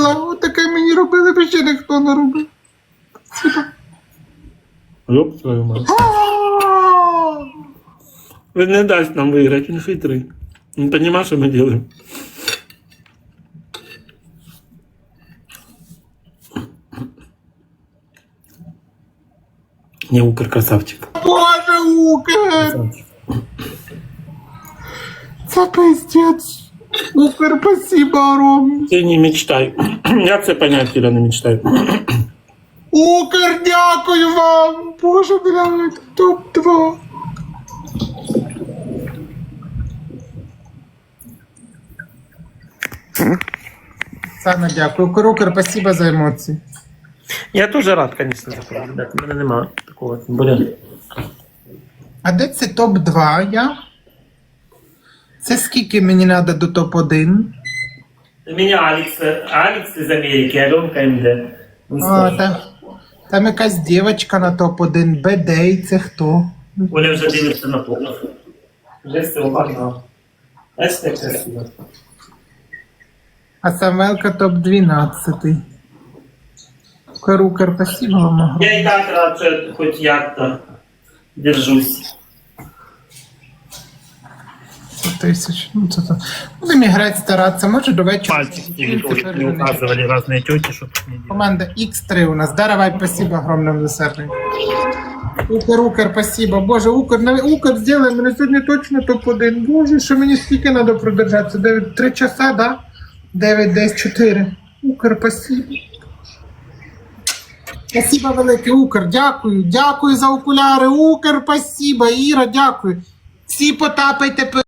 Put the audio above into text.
робила. Отаке мені робили, бо ще ніхто не робив. Ёб твою мать. Він не дасть нам виграти, він хитрий. Він розуміє, що ми робимо. Не, Укр красавчик. Боже, Укр! Красавчик. Це пиздец. Укр, спасибо, Ром. Ти не мечтай. Я це понять, Іра, не мечтай. Укр, дякую вам. Боже, блядь, топ-2. Сана, дякую. Укр, спасибо за емоції. Я теж рад, звісно, за це. Ребят, у мене немає такого. Блін. А де це топ-2 я? Це скільки мені треба до топ-1? У мене Алекс із Америки, Альонка МД. А, там якась дівчинка на топ-1. Бедей, це хто? Оля вже дивиться на топ. Вже все уважно. Бачите, як красиво. А Самвелка топ-12. Укр, спасибо вам. огромне. Я і так рад, що хоч як-то держусь. 1000. Ну, це то. Будемо грати, старатися. Може до вечора. Пальчик не указывали разные тети, что тут не делать. Команда X3 у нас. Давай, спасибо огромное за сервис. Укр, спасибо. Боже, Укр сделай, мене сьогодні точно топ-1. Боже, що мені скільки треба продержатися? 3 часа, да? 9, 10, 4. Укр, спасибо. Спасибо велике, Укр, дякую. Дякую за окуляри. Укр, спасибо. Іра, дякую. Всі потапайте.